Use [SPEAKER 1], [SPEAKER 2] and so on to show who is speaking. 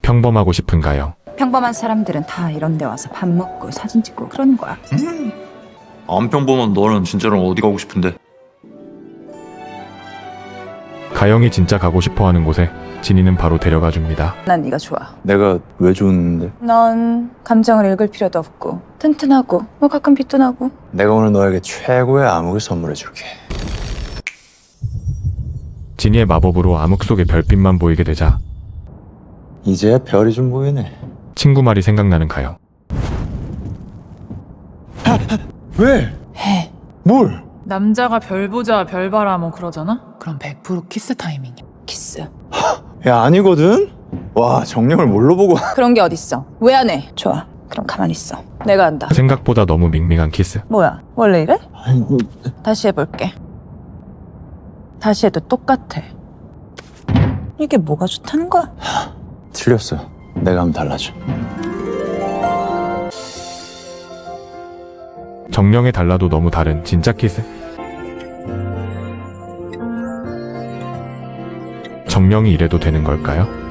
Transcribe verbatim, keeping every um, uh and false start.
[SPEAKER 1] 평범하고 싶은 가영.
[SPEAKER 2] 평범한 사람들은 다 이런 데 와서 밥 먹고 사진 찍고 그러는 거야.
[SPEAKER 3] 음. 안 평범한 너는 진짜로 어디 가고 싶은데?
[SPEAKER 1] 가영이 진짜 가고 싶어하는 곳에 진이는 바로 데려가 줍니다.
[SPEAKER 2] 난 네가 좋아.
[SPEAKER 4] 내가 왜 좋은데?
[SPEAKER 2] 넌 감정을 읽을 필요도 없고 튼튼하고 뭐 가끔 빚도 나고.
[SPEAKER 4] 내가 오늘 너에게 최고의 암흑을 선물해 줄게.
[SPEAKER 1] 진이의 마법으로 암흑 속의 별빛만 보이게 되자
[SPEAKER 4] 이제야 별이 좀 보이네.
[SPEAKER 1] 친구 말이 생각나는 가영.
[SPEAKER 4] 왜?
[SPEAKER 2] 해.
[SPEAKER 4] 뭘?
[SPEAKER 5] 남자가 별 보자 별 봐라 뭐 그러잖아? 그럼 백 퍼센트 키스 타이밍이야.
[SPEAKER 2] 키스.
[SPEAKER 4] 야, 아니거든? 와, 정령을 뭘로 보고.
[SPEAKER 2] 그런 게 어딨어. 왜 안 해? 좋아. 그럼 가만히 있어. 내가 한다.
[SPEAKER 1] 생각보다 너무 밍밍한 키스.
[SPEAKER 2] 뭐야? 원래 이래?
[SPEAKER 4] 아니, 뭐,
[SPEAKER 2] 다시 해볼게. 다시 해도 똑같아. 이게 뭐가 좋다는 거야?
[SPEAKER 4] 틀렸어. 내가 하면 달라져.
[SPEAKER 1] 정령에 달라도 너무 다른 진짜 키스. 정령이 이래도 되는 걸까요?